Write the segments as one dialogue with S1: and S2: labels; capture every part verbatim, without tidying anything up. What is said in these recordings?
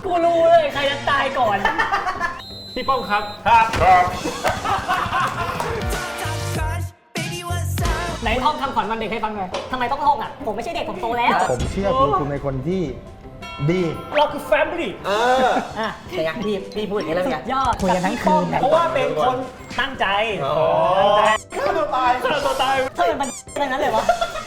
S1: กูรู้เลยใครจะตายก่อนพี่ป้อมครับครับครับไหนท่องคำขวัญวันเด็กให้ฟังหน่อยทำไมต้องท่องอ่ะผมไม่ใช่เด็กผมโตแล้ว
S2: ผมเชื่อคุณคุณเป็นคนที่ดี
S1: เราคือแฟมิลี่
S3: เอออ่ะแต่ยังพี่พี่พูดอย่างนี้แล้วไง
S1: ยอด
S2: คุยกันทั้งคืน
S1: เพราะว่าเป็นคนตั้งใจตั้งใจฆ่าตัวตายฆ่าตัวตายเธอเป็นอะไรนั้นเลยวะ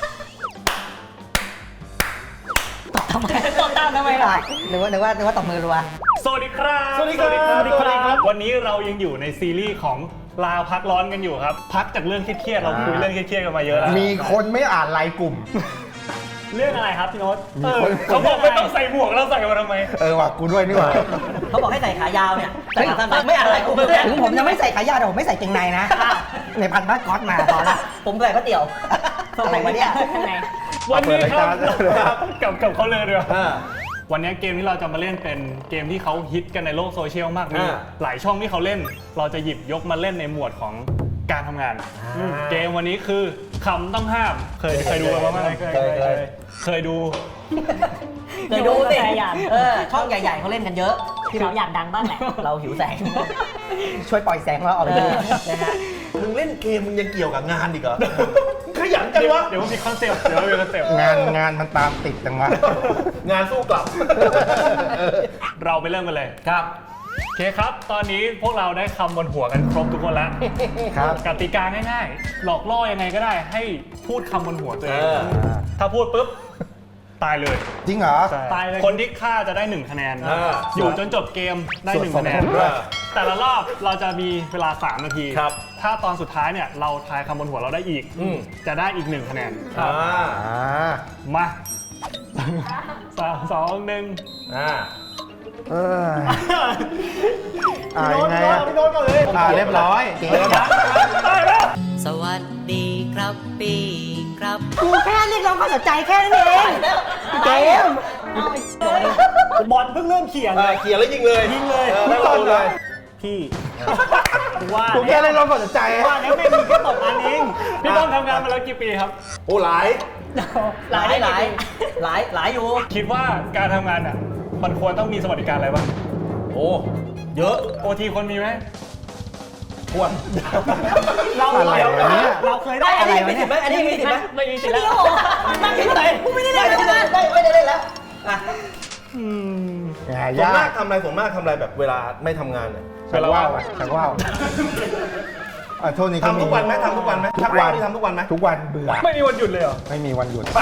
S1: ตอบทำไมตอบตามทำไมล่ะ
S3: นึกว่านึกว่านึกว่าตบมือรัว
S4: สวัสดีครับ
S1: สวัสดีครับสวัสดีครับ
S4: วันนี้เรายังอยู่ในซีรีส์ของลาพักร้อนกันอยู่ครับพักจากเรื่องเครียดๆเราคุยเรื่องเครียดๆกันมาเยอะแล้ว
S2: มีคนไม่อ่านไลน์กลุ่ม
S1: เรื่องอะไรครับพี่โน้ต
S4: เขาบอกไม่ต้องใส่หมวกแล้วใส่มาทำไม
S2: เออว่ะกูด้วยนี่ว่ะ
S3: เขาบอกให้ใส่ขายาวเนี่ยใส่ขาสั้นไม่อะไรกูถึงผมจะไม่ใส่ขายาวแต่ผมไม่ใส่เกงในนะในพันผ้าก๊อตมาพอละผมใส่ผ้าเตี่ยวใส่มาเนี่ย
S4: วันนี้ครับกับกับเขาเลยด้วยวันนี้เกมที่เราจะมาเล่นเป็นเกมที่เขาฮิตกันในโลกโซเชียลมากมีหลายช่องที่เขาเล่นเราจะหยิบยกมาเล่นในหมวดของการทำงานเกมวันนี้คือคำต้องห้ามเคยเคยดูไหมว่าเคยเคยเคยดู
S3: เคยดูสิเออช่องใหญ่ๆเขาเล่นกันเยอะ
S1: ที่เราอยากดังบ้างแหละ
S3: เราหิวแสงช่วยปล่อยแสงเราออกไปดูนะฮะ
S5: มึงเล่นเกมมึงยังเกี่ยวกับงานอีกเหรอขยันจังวะ
S4: เดี๋ยวมันมีคอนเซ็ปต์เดี๋ยวมันมีคอนเซ็ปต์
S2: งานงานมันตามติดจังวะ
S5: งานสู้กลับ
S4: เราไปเริ่มกันเลย
S5: ครับ
S4: โอเคครับตอนนี้พวกเราได้คำบนหัวกันครบทุกคนแล้ว
S2: ครับ
S4: กติกาง่ายๆหลอกล่อยังไงก็ได้ให้พูดคำบนหัวตัวเองถ้าพูดปุ๊บตายเลย
S2: จริงเหรอ
S4: ตายเลยคนที่ฆ่าจะได้หนึ่งคะแนนอยู่จนจบเกมได้หนึ่งคะแนนแต่ละรอบเราจะมีเวลาสามนาทีถ้าตอนสุดท้ายเนี่ยเราทายคำบนหัวเราได้อีกจะได้อีกหนึ่งคะแนนมาสามสองหนึ่ง
S2: เอออ่ายังไงอ่ะ
S1: พี่โน้ตก่อนเลย
S2: อ่าเรียบร้อยเกม
S3: สวัสดีครับปีครับกูแค่เรียกร้องความสนใจแค่นั้นเองเกม
S1: บอลเพิ่งเริ่มเขียนเลย
S5: เขียนแล้วยิงเลย
S1: ยิงเลย
S5: ไม่ตอบเลย
S1: พี่ว่า
S2: กูแค่เรียกร้องความสนใจ
S1: ว่าแล้วไม่มีแค่ตกอันเอง
S4: พี่ต้องทำงานมาแล้วกี่ปีครับ
S5: โอ้หลาย
S3: หลายหลายหลายหลายอยู่
S4: คิดว่าการทำงานอ่ะมันควรต้องมีสวัสดิการอะไรบ้าง
S5: โอ้เยอะ
S4: โอทีคนมีไหม
S5: ควร
S1: เราเราเราเคยได้
S3: อะไรมีสิทธิ์ไหมอันนี้มีสิทธิ์ไหม
S1: ไม่มีสิทธิ์แล้ว
S3: นั่งเฉยๆกูไม่ได้เล่นไม่ได้ไม่ได้เล่นแล้วอ่ะ
S5: อืมส่วนมากทำอะไรส่วนมากทำอะไรแบบเวลาไม่ทำงานเนี่ย
S2: ชักว่าวอ่ะชักว่าวอ่ะโทษนี่
S5: ทำทุกวันไหมทำทุกวันไหมชักว่าวนี่ทำทุกวันไหม
S2: ทุกวันเบื่อ
S4: ไม่มีวันหยุดเลยเหรอ
S2: ไม่มีวันหยุด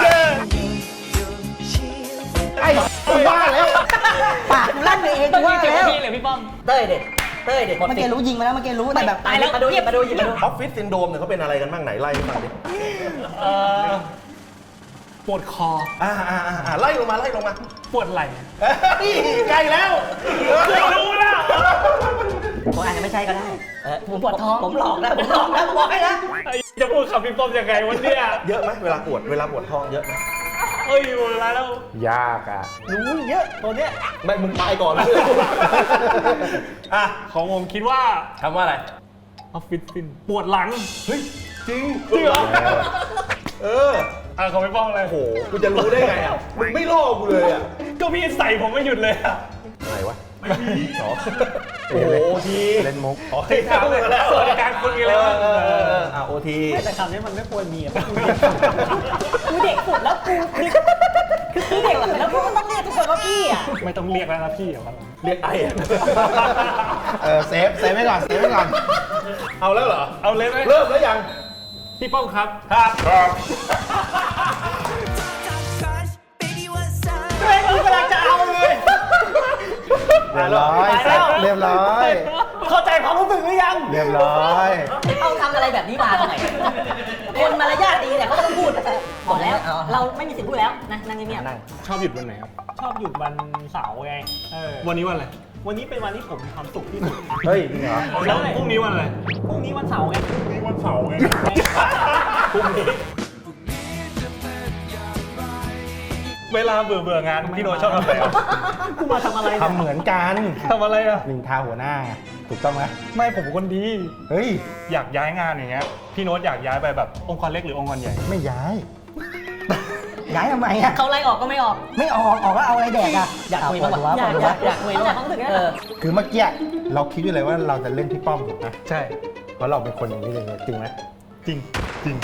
S2: ไอ้บ้าแล้ว
S3: ปากลั่นไปเองว่าแล้ว
S1: พี่เลยพี่ป้อม
S3: เต้ยเด็ดเต้ยเด็ดเมื่อกี้รู้ยิงมาแล้วเมื่อกี้รู้แต่แบบตายแล้วมาดูหยิบมาดูหยิบมาดู
S5: ออฟฟิศซินโดรมเนี่ยเขาเป็นอะไรกันบ้างไหนไล่มาดิ
S4: ปวดคอ
S5: อ่าอ่าอ่าไล่ลงมาไล่ลงมา
S4: ปวดไหล่
S5: ใกล้แล้ว
S4: รู้แล้ว
S3: ผมอาจจะไม่ใช่ก็ได้ผมปวดท้องผมหลอกนะผมหลอกนะผมบอกให้นะ
S4: จะพูดคำพี่ป้อมยังไงวันนี้
S5: เยอะไหมเวลาปวดเวลาปวดท้องเยอะไหม
S4: เอ้ยหมดแล้ว
S2: ยากอ่ะ
S5: รู้เยอะตัวเนี้ยไม่มึงตายก่อนเลย
S4: อ่ะของผมคิดว่า
S5: คำว่าอะไร
S4: ออฟฟิศซินปวดหลัง
S5: เฮ้ยจริง
S4: จริงเหรอ
S5: เออ
S4: อ่ะเขาไม่ป้องอะไร
S5: โหกูจะรู้ได้ไงอ่ะมึงไม่ล่อกูเลยอ่ะ
S4: ก็พี่ใส่ผมไม่หยุดเลยอ่ะ
S5: อะไรวะ
S4: ไม่มีหรอ
S5: โอ้ที
S2: เล่นมุก
S5: อ๋อเคยถามเลยแล้ว
S4: สวัสดิการคุณมีอะไรบ้าง
S5: อ่ะโอที
S1: แต่คำนี้มันไม่ควรมีอ่ะกูเด็กสุดแล้วกูคือคือเด็กแล้วกูต้องเรียกทุกคนว่าพี่อ่ะ
S4: ไม่ต้องเรียกแล้วนะพี่อ่ะ
S5: เรียกไอ้
S2: เออเซฟเซฟไว้ก่อนเซฟไว้ก่อน
S5: เอาแล้วเหรอ
S4: เอาเลยไหม
S5: เริ่มแล้วยัง
S4: พี่ป้อมครับ
S5: ครับครับ
S1: เฮ้ยกูกำลังจะเอาเลย
S2: เรียบร้อยเรียบร้อย
S1: เข้าใจความรู้สึกหรือยัง
S2: เรียบร้อย
S3: เอาทำอะไรแบบนี้มาทำไมคนมารยาทดีเนี่ยเขาต้องพูดบอกแล้วเราไม่มีสิทธิ์พูดแล้วนะนั่งเงียบ
S4: ชอบหยุดวันไหนครับ
S1: ชอบหยุดวันเสาร์ไง
S4: วันนี้วันอะไร
S1: วันนี้เป็นวันที่ผมมีความสุขที่สุด
S2: เฮ้ยจริงเหรอ
S4: แล้วพรุ่งนี้วันอะไร
S1: พรุ่งนี้วันเสาร์ไง
S4: พรุ่งนี้วันเสาร์ไงพรุ่งนี้เวลาเบื่อเบื่องานพี่โน้ตชอบทำอะไรอ่ะ
S1: กูมาทำอะไร
S2: ทำเหมือนกัน
S4: ทำอะไรอ่ะ
S2: นินทาหัวหน้าถูกต้องไหม
S4: ไม่ผมเป็นคนดี
S2: เฮ้ย
S4: อยากย้ายงานอย่างเงี้ยพี่โน้ตอยากย้ายไปแบบองค์กรเล็กหรือองค์กรใหญ่
S2: ไม่ย้าย
S3: ย้ายทำไมอ่ะ
S1: เขาไล่ออกก็ไม่ออก
S3: ไม่ออกออกแล้วเอาอะไรแดกอ่ะ
S1: อยากคุยบ้าง
S3: ปวด
S1: วะ
S3: หัว
S1: อยาก
S3: ปวดหัว
S1: อยากอยากคุยบ้างเขาถึง
S3: เออ
S2: คือเมื่อกี้เราคิดอยู่เลยว่าเราจะเล่นพี่ป้อมถูกนะ
S4: ใช่
S2: เพราะเราเป็นคนอย่างนี้เลยจริงไหม
S4: จริงจริง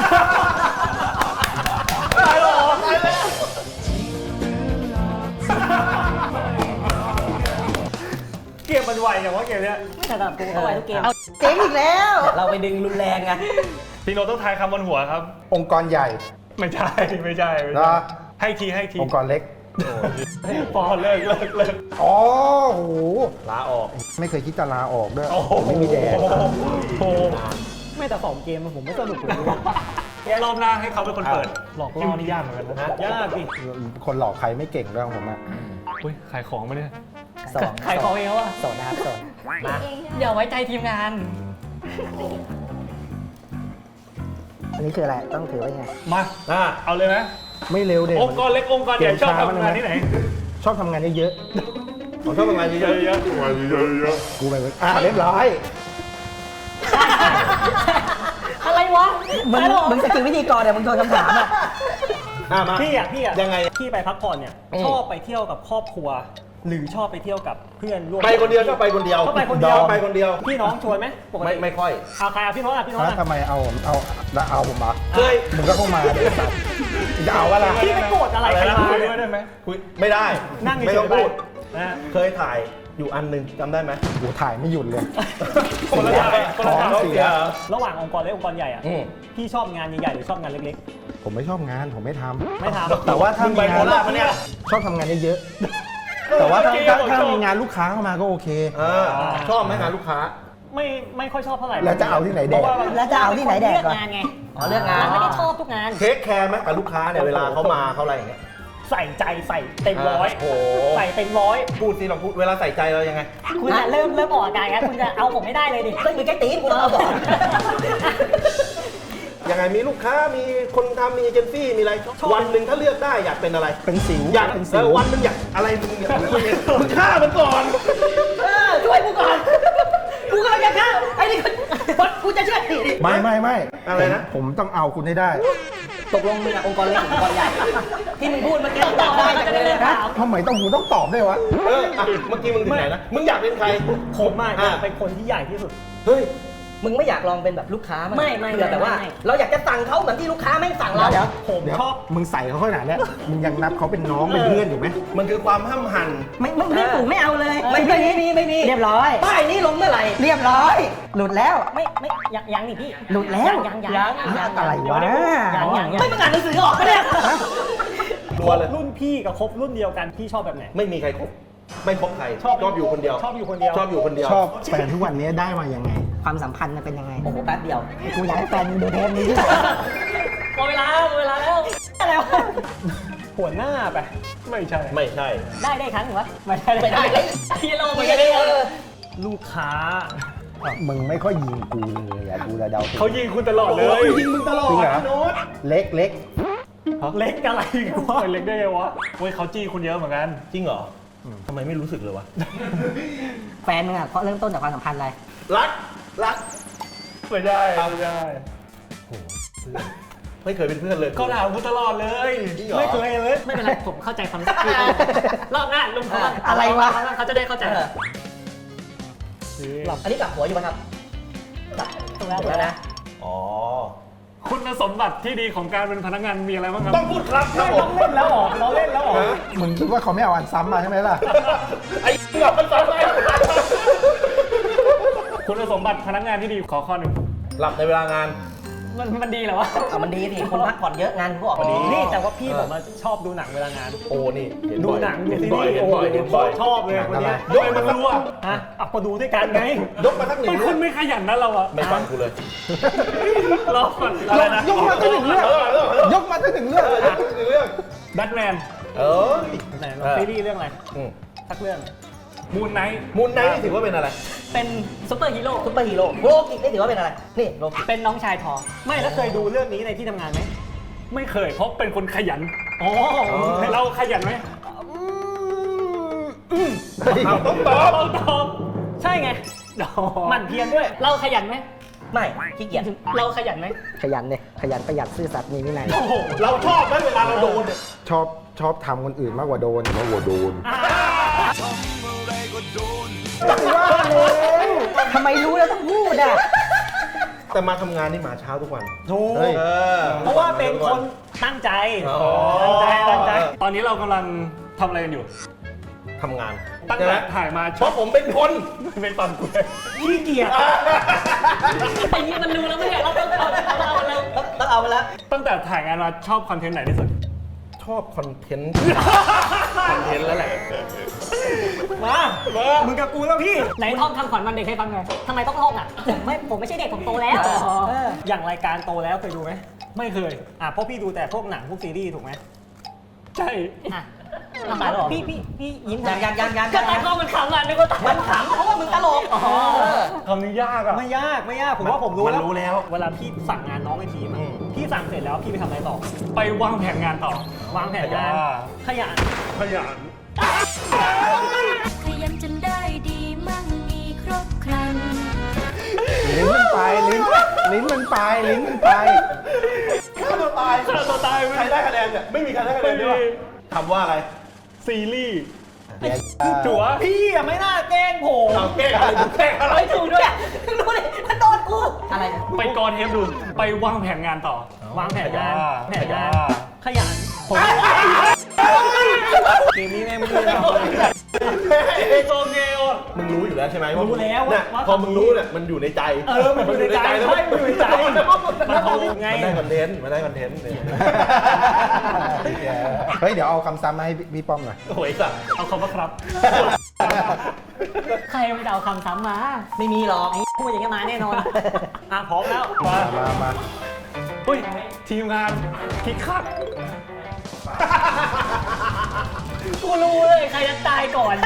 S4: เกมมันไวอย่างว่าเกมเนี้ย
S1: ไม่ถนัดกูเข้าไปทุกเกม
S3: เอาเจ๊งอีกแล้วเราไปดึงรุนแรงไง
S4: พี่โนต้องทายคำบนหัวครับ
S2: องค์กรใหญ่
S4: ไม่ใช่ไม่ใช่ไม่
S2: เหร
S4: ใช่
S2: อ
S4: ให้ทีให้ที
S2: องค์กรเล็ก
S4: พอเลิกเลิกเลิก
S2: อ๋อโห
S5: ลาออก
S2: ไม่เคยคิดจะลาออกด้วย
S4: โอ้โห
S2: ไม่มีแดด
S4: โอ้โห
S1: ไม่แต่สองเกมผมไม่สนุกเลย
S4: รอบหน้าให้เขาเป็นคนเปิด หลอกล่อนี่ยากเหมือนกันนะ
S5: ยากดิ
S2: คนหลอกใครไม่เก่งด้วยของผมอะ
S4: อุ้ยขายของมาเนี่ย
S3: สอง
S1: ขายของเองวะ
S3: สองนะครับสองมา
S1: อย่าไว้ใจทีมงาน
S3: อันนี้คืออะไรต้องถือไว้ไง
S4: มา
S5: อ่า
S4: เอาเลยไหม
S2: ไม่เร็วเด็
S4: องค์กรเล็กองค์กรใหญ่ชอบทำงานที่ไหน
S2: ชอบทำงานเยอะ
S5: ผมชอบทำงานเย
S4: เย
S5: อะ
S4: อะเยอะ
S2: ๆกูไปอ่ะเรียบร้อย
S1: อะไรวะ
S3: มึงมึงสกิลวิธีกรเนี่ยมึงโดนคำถามอ่ะ
S5: ๆอ่ามา
S6: พี่อ่ะพี่อ่ะ
S5: ยังไง
S6: พี่ไปพักผ่อนเนี่ย
S3: อืม
S6: ชอบไปเที่ยวกับครอบครัว หรือชอบไปเที่ยวกับเพื่อนร่วม
S5: ไปคนเดียวชอบไปคนเดียว
S6: ชอบไปคนเดียว
S5: ชอบไปคนเดียว
S6: พี่น้องชวนไหมปก
S5: ไม่
S6: ติ
S5: ไม่ค่อย
S6: เอาใครเอาพี่น้องอ่ะพี่น้อง
S2: แล้ว
S6: อ่ะ
S2: ทำไมเอาผมเอาแล้วเอาผมมา
S5: เคย
S2: มึงก็เข้ามาเดี๋ยวสัตว์จะเอาอะไร
S6: พี่ไปโกรธอะไรใคร
S4: อะไรนะ
S6: มา
S4: คุย
S6: เนี่
S4: ด้วย
S6: ย
S4: ได้ไหม
S5: คุยไม่ได้
S6: นั่ง
S5: ไม่
S6: เฉ
S5: ต้อย ง
S6: ๆไป
S5: พูด
S6: นะ
S5: เคยถ่ายอยู่อันหนึ่งจำได้ไหม
S2: กูถ่ายไม่หยุดเลย
S4: คนละอย่างคนละอย่าง
S2: ท้องเสีย
S6: ระหว่างองค์กรเล็กองค์กรใหญ่อ่ะ
S5: อืม
S6: พี่ชอบงานใหญ่ๆหรือชอบงานเล็ก
S2: ผมไม่ชอบงานผมไม่ทำ
S6: ๆ ไม่ทำ
S2: แต่ว่าถ้า
S5: มึง
S2: มี
S5: ไป
S2: งา
S5: โคน ราชปะเนี่ย
S2: ชอบทำงานเยอะๆแต่ว่าถ้าถ้าถ้ามีงานลูกค้าเข้ามาก็โอเค
S5: เออชอบไหมงานลูกค้า
S6: ไม่ไม่ค่อยชอบเท่าไหร่
S2: แล้วจะเอาที่ไหนแดก
S6: เพราะว่า
S3: แล้วจะเอาที่ไหนแดก
S1: เลือก
S3: ก่อน
S1: งานไง
S3: อ๋อเลือกงาน
S1: เราไม่ได้ชอบทุกงาน
S5: เทคแคร์ไหมกับลูกค้าเนี่ยเวลาเขามาเขาอะไรอย่างเงี้ย
S6: ใส่ใจใส่เต็มร้อย
S5: โอ้โห
S6: ใส่เต็มร้อย
S5: พูดสิลองพูดเวลาใส่ใจเรายังไง
S1: คุณจะเริ่มเริ่มออกอาการแล้วคุณจะเอาผมไม่ได้เลยดิ
S3: ซึ่งมีแค่ตีนกูต้องเอาก่อน
S5: ยังไงมีลูกค้ามีคนทำมีเอเจนซี่มีอะไรวันหนึ่งถ้าเลือกได้อยากเป็นอะไร
S2: เป็นสิว
S5: อยาก
S2: เป็น
S5: เอ
S2: สิว
S5: อวันหนึงอยากอะไรมึงเนี่ยมึงฆ่ามันก่อน
S3: เออช่วยกูก่อน กูกำลังจะฆ่าไอ้นี่บอสกูจะช่วยดิ
S2: ไม่ไม่ไม่
S5: อะไรนะ
S2: ผมผมต้องเอาคุณให้ได้
S3: ตกลงมึงอะองค์กรเล็กองค์กรใหญ่ ที่มึงพูดเมื่อกี้ตอบได้จากเลยนะ
S2: ทำไมต้องกูต้องตอบด้วยวะ
S5: เอออ่ะเมื่อกี้มึงถึงไหนนะมึงอยากเป็นใคร
S6: ผมอะอยาก
S5: อ่ะ
S6: เป็นคนที่ใหญ่ที่สุด
S5: เฮ้ย
S3: มึงไม่อยากลองเป็นแบบลูกค้ามั้ย
S1: ไม่ไม่
S3: เผื่อแบบว่า
S1: ไม่
S3: เราอยากจะสั่งเขาเหมือนที่ลูกค้าแม่งสั่งเรา
S2: เดี๋ยว
S6: ผม
S2: เดี๋ยว
S6: ชอบ
S2: มึงใส่เขาขนาดเนี้ยมึงยังนับเขาเป็นน้องเป็นเพื่อนอยู่ไหม
S5: มันคือความห้ามหัน
S3: ไม่ไม่ไม่ถูกไม่เอาเลย ไม่ไม่มีไม่มีเรียบร้อยป้ายนี้ลงเมื่อไหร่เรียบร้อย หลุดแล้ว
S1: ไม่ไม่ยังยังนี่พี่
S3: หลุดแล้ว
S1: ยังยังยังยัง
S3: อะไรวะ
S1: ยังยังยัง
S3: ไม่มึงอ่านหนังสือออกปะเนี่ย
S5: ตัวเลย
S6: รุ่นพี่กับคบรุ่นเดียวกันพี่ชอบแบบไหน
S5: ไม่มีใครคบไม่คบใคร
S6: ชอบ
S5: ชอบอยู่คนเดียว
S6: ชอบอยู่คนเดียว
S5: ชอบอยู่คนเดียว
S2: ชอบแฟนทุกวันนี้ได้มายังไง
S3: ความสัมพันธ์มันเป็นยังไงโอ้โหแป๊บเดียวกูอยากให้แฟนมึงดูเทปนี้ที่
S1: หมดเวลาหมดเวลาแล้วอะไรวะ
S6: หัวหน้าไป
S4: ไม่ใช่
S5: ไม่ใช่
S1: ได้ได้ครั้งหนึ่งวะ
S6: ไม่ใช่
S3: ไม่ได้
S1: พี่โล
S3: ไม่
S1: ไม่
S3: ได้
S1: ได้
S3: เออ
S6: ลูกค้า
S2: มึงไม่ค่อยยิงกูเลยอะกูจะเดาถูก
S4: เขายิงคุณตลอดเลย
S5: ยิงมึงตลอด
S2: จริงเหรอ
S5: พี่โน้ต
S2: เล็กเล็ก
S6: เล็กอะไรกูว่า
S4: เล็กได้ไงวะเว้ยเขาจี้คุณเยอะเหมือนกัน
S5: จริงเหรอทำไมไม่รู้สึกเลยวะ
S3: แฟนมึงอ่ะเพราะเริ่มต้นจากความสัมพันธ์อะไร
S5: รักรัก
S4: ไม่ได้ไม่ได้
S5: ไม่เคยเป็นเพื่อนเลย
S4: เขาถามคุณตลอดเลย
S5: จริงเหรอ
S6: ไม่เคยเลย
S1: ไม่เป็นไรผมเข้าใจความรู้สึกพี่รอบหน้าลุงเขา
S3: อะไรวะ
S1: เขาจะได้เข้าใจ
S3: เอออันนี้กลับหัวอยู่ป่ะครับกลับ
S1: ถูกแล้ว
S3: ถูกแล้วนะ
S5: อ๋อ
S4: คุณสมบัติที่ดีของการเป็นพนักงานมีอะไรบ้างครับ
S5: ต้องพูดครับครับผ
S6: เรา
S5: ม
S6: เล่นแล้วเหรอเราเล่นแล้วเหรอ
S2: มึงคิดว่าเขาไม่เอาอันซ้ำมาใช่ไหมล่ะ
S5: ไอ้เหี้ยมันสอนอะไร
S4: คุณสมบัติพนักงานที่ดีขอข้อหนึ่ง
S5: หลับในเวลางาน
S1: มันมันดีเหรอวะ
S3: เอามันดีสิคุณพักผ่อนเยอะงานคุณก็ออกมาดี
S6: นี่แต่ว่าพี่ผมอะชอบดูหนังเวลางาน
S5: โอ้นี่เห็น
S6: ดู
S5: บ่อย
S6: หนังดู
S5: เห็น
S6: ซี
S5: บ่อย
S6: รีส์
S5: เห็น
S6: โอ้
S5: บ่อย
S6: ย
S5: เห็นบ่อย
S6: ชอบเลยคนเนี้ย
S5: ยกมาสัก
S6: รู้อะฮะอ่ะก็ดูด้วยกันไง
S5: ยกมาสักหนึ่ง
S4: ไม่
S5: เรื่
S4: คุ
S5: อง
S4: ณไม่ขยันนะเราอะ
S5: ไม่ฟังกูเลย
S4: รอก่อนอะไรนะ
S2: ยกมาตั้งหนึ่งเรื่อง
S5: เออเออเออย
S2: กมาตั้งหนึ่งเรื่อง
S5: เออยกมาสักหนึ่งเรื่อง
S4: แบทแมน
S5: เออ
S6: ไหนลองซีรีส์เรื่องอะไร
S5: อืม
S6: สักเรื่อง
S4: มูนไนท์
S5: มูนไนท์นี่ถือว่าเป็นอะไร
S1: เป็นซุปเปอร์ฮีโร่
S3: ซุปเปอร์ฮีโร่โลกิได้ถือว่าเป็นอะไร นี่โลกิ
S1: เป็นน้องชายทอ
S6: ไม่แล้วเคยดูเรื่องนี้ในที่ทำงานไหม
S4: ไม่เคยเพราะเป็นคนขยัน
S6: อ๋อ
S4: เราขยันไหม
S5: เอาต้องตอบ
S4: เราตอบ
S1: ใช่ไง
S6: หมั่นเพียรด้วย
S1: เราขยันไหม
S3: ไม่ขี้เกียจ
S1: เราขยันไหม
S3: ขยันเลยขยันประหยัดซื่อสัตย์มีวินัย
S5: โอ้โหเราชอบไหมเวลาเราโดนเนี่ย
S2: ชอบชอบทำคนอื่นมากกว่าโดนมากกว่าโดน
S3: ทำไมรู้แล้วต้องพูดอ่ะ
S5: แต่มาทำงานนี่มาเช้าทุกวัน
S6: ถูก
S5: เฮ้ย
S6: เพราะว่าเป็นคนตั้งใจ
S5: อ๋อ
S6: ตั้งใจตั้งใจ
S4: ตอนนี้เรากำลังทำอะไรกันอยู่
S5: ทำงาน
S4: ตั้ง
S5: ใช่ไหม
S4: แต่ถ่ายมา
S5: เพราะผมเป็นคน
S4: เป็นตอนกู
S6: ขี้เกียจ
S1: ไอ้นี่มันรู้แล้วไม่เนี่ยเราต้องเอาเราเรา
S3: ต้องเอาไปแล้ว
S4: ตั้งแต่ถ่ายงานมาชอบคอนเทนต์ไหนที่สุด
S5: ชอบคอนเทนต์ คอนเทนต์แล้วแหละ
S6: มามึงกับกูแล้วพี่
S1: ไหนท่องคำขวัญวันเด็กให้ฟังหน่อยทำไมต้องท่องอ่ะผมไม่ผมไม่ใช่เด็กผมโตแล้ว
S6: เอออย่างรายการโตแล้วเคยดูไหมไม่เคยอ่ะเพราะพี่ดูแต่พวกหนังพวกซีรีส์ถูกไหม
S4: ใช่
S1: อ่ะทำไมหรอพี่พี่พี่ยิ้ม
S3: ยังยังยังยัง
S1: ก็ตากล้องมันขำอ่ะนึกว่าตา
S3: มันขำเพราะว่ามึงตลก
S1: อ๋อ
S4: คำนี้ยากอ่ะ
S6: ไม่ยากไม่ยากผมว่าผมรู้
S5: มันรู้แล้ว
S6: เวลาพี่สั่งงานน้องในทีมอะ
S5: อืม
S6: พี่สั่งเสร็จแล้วพี่ไปทำอะไรต่อ
S4: ไปวางแผนงานต่อ
S6: วางแผนงาน
S4: อ่า
S6: ขยัน
S4: ขยัน
S7: ขยันจนได้ดีมั่งมีครบครัน
S2: ลิ้นมันไปลิ้นลิ้นมันไปลิ้นมันไป
S5: ฆ่าตัวตาย
S4: ฆ่าตัวตาย
S5: ใครได้คะแนนเนี่ยไม่มีใครได้คะแนนด้วยทำว่าอะไร
S4: ซีรีส์
S2: เดี๋ยว
S4: จั๋ว
S6: พี่อะไม่น่าแกล้งผม
S5: เอาแก้อะไรดูแก้อะไร
S1: ไม่ถูกด้วย
S3: รู้ดิมันโดนกู อะไรเนี่ย
S4: ไปกอนเทปดู ไปวางแผนงานต่อ
S6: วางแผนงาน
S4: อ่า
S6: แผนงาน
S4: อ่า
S6: ขยันผมเกมนี้แม่งไม่ได้ทำเลย
S4: ไอโซเกล
S5: มึงรู้อยู่แล้วใช่ไหม
S6: รู้แล้วว่า
S5: เนี่ย
S6: ว่า
S5: พอมึงรู้เนี่ยมันอยู่ในใจ
S6: เออมันอยู่ในใจ
S5: แล้ว
S6: ใช่มันอยู่ในใจมันถูกไง
S5: มันได้คอนเทนต์มันได้คอนเทนต์เนี่ย
S2: เฮ้ยเดี๋ยวเอาคำซ้ำมาให้พี่ป้อมหน่อย
S5: โอ้ยสัตว์
S4: เอาคำว่าครับ
S1: ใครไม่เดาคำซ้ำมา
S3: ไม่มีหรอก
S1: พูดอย่างนี้มาแน่นอน
S6: อ่ะพร้อมแล้ว
S4: มา
S2: มามา
S4: เฮ้ย ทีมงานคิกคัก
S1: กูรู้เลยใครจะตายก่อน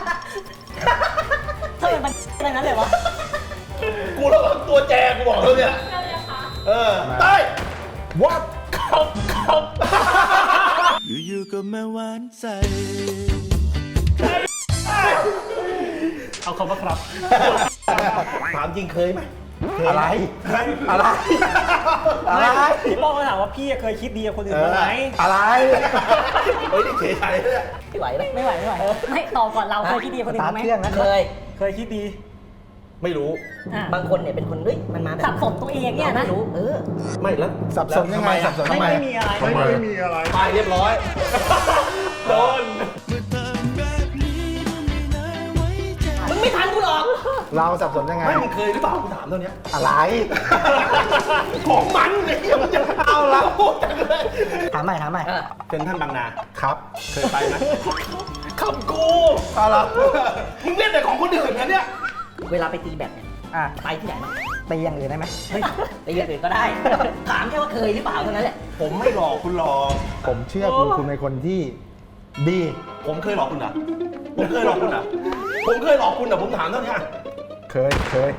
S1: ทำไมมันอะไรนั้นเลยวะ
S5: กูระวังตัวแจกูบอกแล้วเนี่ยเออใต้
S2: วัด
S4: ครับครับ
S8: อยู่ๆก็มาหวานใจ
S4: เอาคำว่าครับ
S5: ถามจริงเคยไหม
S2: อะไรอะไรอะไร
S6: พี่ป้องก็ถามว่าพี่เคยคิดดีกับคนอื่นบ้างไหม
S2: อะไร
S5: เฮ้ยนี่เฉยใจเนี่ย
S3: ไม่ไหวไหม
S1: ไม่ไหวไม่ไหวไม่ตอบก่อนเราเคยคิดดีคนอื่นบ้างไหม
S3: เครื่องนะเคย
S6: เคยคิดดี
S5: ไม่รู้
S1: อ่ะ
S3: บางคนเนี่ยเป็นคนเฮ้ยมันมาแบบ
S1: สับสนตัวเองเนี่ยนะ
S3: ไม่รู้เออ
S5: ไม่แล้ว
S2: สับสนยังไง
S5: แล้ว
S2: สับสน
S6: ไม่
S2: ทำไม
S6: ไม่มีอะไร
S2: ทำไม
S4: ไม่มีอะไร
S5: ตายเรียบร้อย
S4: โดน
S3: มึงไม่ทันกูหรอก
S2: เราสับสนยังไง
S5: ไม่มึงเคยหรือเปล่ากูถามเท่านี้
S2: อะไร
S5: ของมันเนี่ยมันจะเอาเราจังเลย
S3: ถามใหม่ถามใหม่
S5: เซ็นทรัลบางนา
S2: ครับ
S5: เคยไปไหม
S4: คำกู
S2: เอาละ
S5: มึงเล่นแต่ของคนอื่นนะเนี่ย
S3: เวลาไปตีแบดเนี่ย อ่ะไปที่ไหนบ้าง
S2: ตีอย่างอื่นได้ไหม
S3: เฮ้ยตีอย่างอื่นก็ได้ ถามแค่ว่าเคยหรือเปล่าเท่านั้นแหละ
S5: ผมไม่หลอกคุณหรอก
S2: ผมเชื่อคุณคุณเป็นคนที่ดี
S5: ผมเคยหลอกคุณเหรอผมเคยหลอกคุณเหรอผมเคยหลอกคุณเหรอผมถามเท่านี้
S2: เคยเคย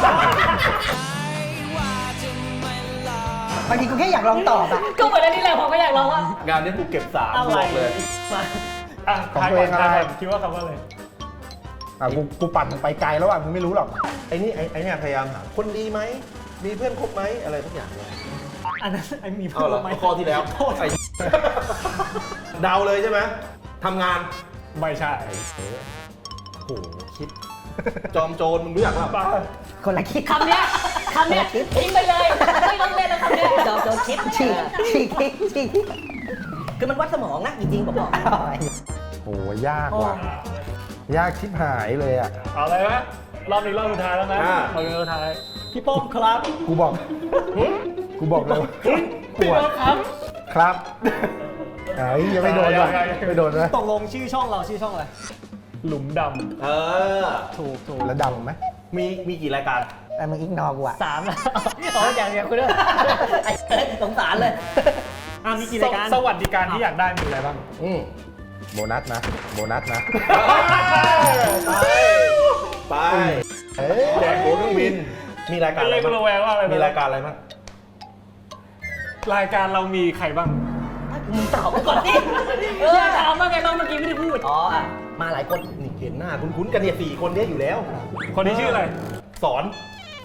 S3: บางทีกูแค่อยากลองตอบอะ
S1: ก็เหมือนอันนี้แหละผมก็อยากลองว่า
S5: งานนี้กูเก็บสาม
S1: อะไร
S5: บอกเลย
S4: อ่ะทายก่อนทายก่อนคิดว่าคำว่าอะไร
S2: อ่ะกูกูปั่นไปไกลแล้วอ่ะมึงไม่รู้หรอก
S5: ไอ้นี่ไอ้ไอ้เนี่ยพยายามถามคนดีไหมมีเพื่อนคบไหมอะไรทุกอย่างเนี่ย
S6: อันนั้นไอ้มี
S5: เอา
S6: เพื่อน
S5: ละ
S6: ไหม
S5: ข้อที่แล้วไอ้เดาเลยใช่ไหมทำงาน
S4: ไม่ใช่
S5: โอ้โหคิด จอมโจรมึงรู้จักป่ะ
S3: คนละคิด
S1: คำเนี้ยคำเนี้ยทิ้งไปเลยไม่ต้องเล่นแล้วคำเนี้ย
S3: จอมโจรคิดฉีกฉีกคิดฉีกคือมันวัดสมองนะจริงๆผมบอก
S2: โอ้ยากว่ะยากชิบหายเลยอ่ะ
S4: เอาเลยไหมรอบนี้รอบสุดท้ายแล้วนะรอบนี้รอบสุดท้าย
S6: พี่ป้อมครับ
S2: กูบอกกูบอกเลยว่าปวด
S4: ครับ
S2: ครับเอ้ยยังไม่โดนว่ะไม่โดนนะ
S6: ตกลงชื่อช่องเราชื่อช่องอะไร
S4: หลุมด
S5: เออ
S6: ถูกถูก
S2: แล้วดำไหม
S5: มีมีกี่รายการ
S3: ไอ้มึงอิกนอกูอะ
S1: สามแล้วอ๋ออย่างเดียวคุณด้วย
S3: ไอ้เอ้ยสงสารเลย
S6: อ่ะมีกี่
S4: ำ
S6: รายการ
S4: สวัสดิการที่อยากได้มีอะไรบ้าง
S5: อืม
S2: โบนัสนะโบนัสนะ
S5: ไปไป
S2: เอ้ย
S5: แจกตั๋วเครื่องบินมีรายการ
S4: เป็น
S5: อะไร
S4: เล่น
S5: บ้าง
S4: ระแวงว่าอะไรบ้ง
S5: มีรายการอะไรบ้าง
S4: รายการเรามีใครบ้าง
S3: มึงตอบไปก่อนดิ
S1: เออถามว่าไงบ้างเมื่อกี้ไม่ได้พูด
S3: อ๋ออ่ะมาหลายคน
S5: นี่เห็นหน้าคุ้นๆกันเนี่ยสี่คนเนี้ยอยู่แล้ว
S4: คนนี้ชื่ออะไร
S5: สอน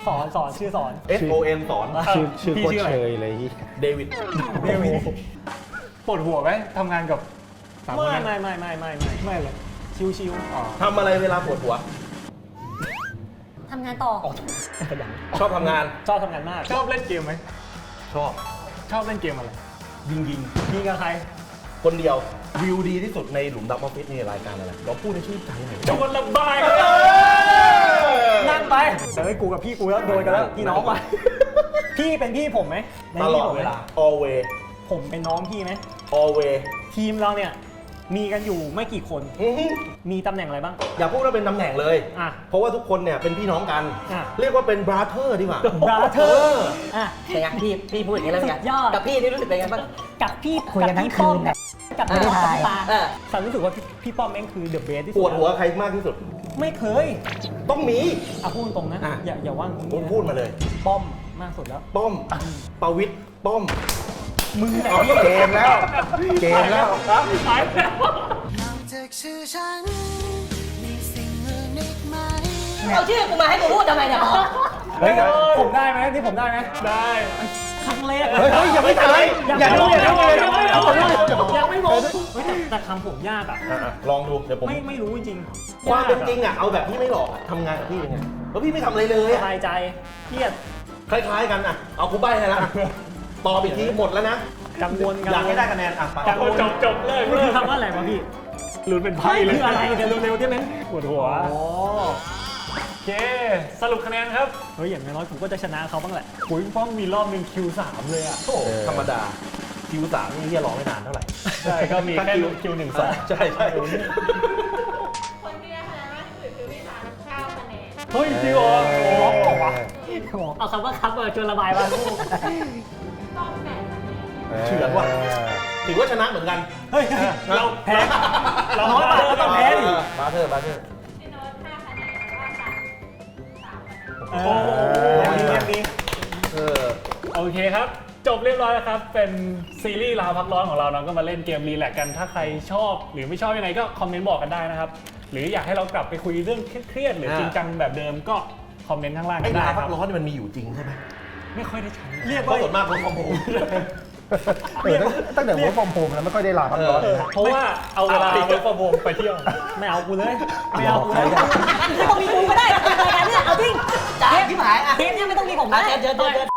S6: สอนสอนชื่อสอน
S5: S O N สอน
S2: ชื่อชื่อ
S4: พี่
S2: โคต
S4: ชื่
S2: ร
S4: ออะไร
S2: เชยเลย
S5: เดวิด
S6: เดวิด
S4: ปวดหัวไหมทำงานกับสามคน
S6: ไม่
S4: นั้น
S6: ไม่ไม่ไม่ไม่ไม่ไม่เลยชิวชิวๆอ๋อ
S5: ทำอะไรเวลาปวดหัว
S1: ทำงานต่อ
S6: ขยัน
S5: ชอบทำงาน
S6: ชอบทำงานมาก
S4: ชอบเล่นเกมไหม
S5: ชอบ
S4: ชอบเล่นเกมอะไร
S5: ยิงยิง
S6: ยิงกับใคร
S5: คนเดียววิวดีที่สุดในหลุมดำออฟฟิศนี่รายการอะไรเราพูดในชื่อใจหน่อย
S4: ชวนระบาย
S6: นั่งไปเดี๋ยวให้กูกับพี่กูแล้วโดนกันแล้วพี่น้องไปพี่เป็นพี่ผมไหมใน
S5: ตล
S6: พี่
S5: อด
S6: ผมไหม
S5: เวลา always
S6: ผมเป็นน้องพี่ไหม
S5: always
S6: ทีมเราเนี่ยมีกันอยู่ไม่กี่คน
S5: อื้อหือ
S6: มีตำแหน่งอะไรบ้าง
S5: อย่าพูดว่าเป็นตำแหน่งเลย
S6: อ่ะ
S5: เพราะว่าทุกคนเนี่ยเป็นพี่น้องกัน
S6: อ่ะ
S5: เรียกว่าเป็น brother ดีกว่า
S6: brother
S3: อ่ะเป็นไงพี่พี่พูดอย่างนี้แล้วเป็นไง
S1: สุดยอด
S3: กับพี่นี่รู้สึกเป็นไงบ้าง
S1: กับพี่
S3: คุยกันทั้ง
S1: บพี่ป้อม
S3: คืนน่ะ
S1: กับ
S3: ไม่ได้
S1: พี่
S3: ถ่าย
S1: ปา
S3: เออ
S6: ฉันรู้สึกว่าพี่พี่ป้อมแม่งคือเดอะเบสที่
S5: ป
S6: สุด
S5: วดหัวใครมากที่สุด
S6: ไม่เคย
S5: ต้องมี
S6: อ่ะพูดตรงนะ
S5: อ่ะ
S6: อย่าอย่าว่างตรง
S5: คุ
S6: นี้
S5: ณ
S6: นะ
S5: พูดมาเลย
S6: ป้อมมากสุดแล้ว
S5: ป้อมประวิตรป้อม
S6: มึงแหละ
S2: เอา
S6: พี่
S2: เกมแล้ว เกมแล้ว
S4: ไปแล้ว
S8: นอกจากชื่อฉัน มีสิ่งอื่นอีกไหม
S3: เอาชื่อกูมาให้กูพูดทำไมเนี่ย
S6: เฮ้ยผมได้ไหมนี่ผมได้ไหม
S4: ได้
S6: ครั้งแรก
S2: เฮ้ยเฮ้ยอย่าไม่ตายอย่าดูอย่าดูอย่าดู
S6: ยังไม่
S2: อย่า
S6: หม
S2: ดู
S6: ด
S2: อย่าดู
S6: ยังไม่หมดเฮ้ยแต่แต่คำผมยากอ่ะ
S5: อ่ะๆลองดูเดี๋ยวผม
S6: ไม่ไม่รู้จริงๆ
S5: ความเป็นจริง
S6: ยก
S5: อ่ะเอาแบบที่ไม่หลอกอะทำงานกับพี่เป็นไงแล้วพี่ไม่ทำอะไรเลย
S6: ส
S5: อะ
S6: บายใจเครียด
S5: คล้ายๆกันอ่ะเอากูใบ้ให้ละตอบอีกทีหมดแล้วนะ
S6: กังวล
S5: อยากให้ได้คะแนนอ่ะไป
S6: กังวล
S4: จบจบเลย
S6: นี่คือคำว่าอะไรวะพี่
S4: ลุ้นเป็นไพ่
S6: ไม่
S4: เลย
S6: คืออะไรเดี๋ยวเร็วๆได้ไหม
S4: ปวดหัว
S6: โอ้
S4: โอเค สรุปคะแนนครับ
S6: เฮ้ยอย่างน้อยผมก็จะชนะเขาบ้างแหละ
S4: ปุ๋ยป้องมีรอบหนึ่งคิวสามเลยอ่ะ
S5: โอ้โหธรรมดาคิวสามนี่เฮียรอไม่นานเท่าไหร่
S4: ใช่ก็มีแค่คิวหนึ่งสอง
S5: ใช่ใช่
S9: คนที่ได้คะแนนมากที่สุดคือพี่ทานเก้าคะแนน
S4: เฮ้ยจริงเหรอโอ้โห
S6: เอาคำว่าคัพเออชวนระบายมาลูก
S9: ต้องแปดคะแนน
S5: เฉือนว่ะถือว่าชนะเหมือนกัน
S6: เฮ้ย
S4: เราแพ้เรา
S6: น้อยกว่าก็ต้องแพ้ดิ
S5: บาเทอร์บาเทอร์
S9: พี่โน้ตห้าคะแนนแล้วก็สามสามคะแนน
S6: โอ้โหยังดียังดี
S5: เออ
S4: โอเคครับ จบเรียบร้อยแล้วครับ เป็นซีรีส์ลาพักร้อนของเราเนาะก็มาเล่นเกมรีแลกซ์กัน ถ้าใครชอบ หรือไม่ชอบยังไงก็คอมเมนต์บอกกันได้นะครับ หรืออยากให้เรากลับไปคุยเรื่องเครียดๆหรือจริงจังแบบเดิมก็คอมเมนต์ข้างล่าง
S5: ไอ้
S4: กันได้
S5: ลา
S4: ค
S5: พั
S4: รับ
S5: กร้อนนี่มันมีอยู่จริงใช่ไหม
S4: ไม่ค่อยได้ใช้
S6: เรียก
S5: เพ
S6: ว่า
S5: ราะส่วนมากคนคอมโบ
S2: เออตั้งแต่หัวฟอมโฮมแล้วไม่ค่อยได้ลาพักร้อนเลยนะ
S4: เพราะว่าเอาเวลาไปประวงไปเที่ยว
S6: ไม่เอากูเลย ไม่เอากูเลย
S1: ไม่ต้องมีกูก็ได้รายการเนี่ยเอาจริง
S3: จ่ายที่หายอ่ะ
S1: เทปเนี่ยไม่ต้องมีผม
S3: มา
S1: นะ
S3: เจอเจอเจอเจอ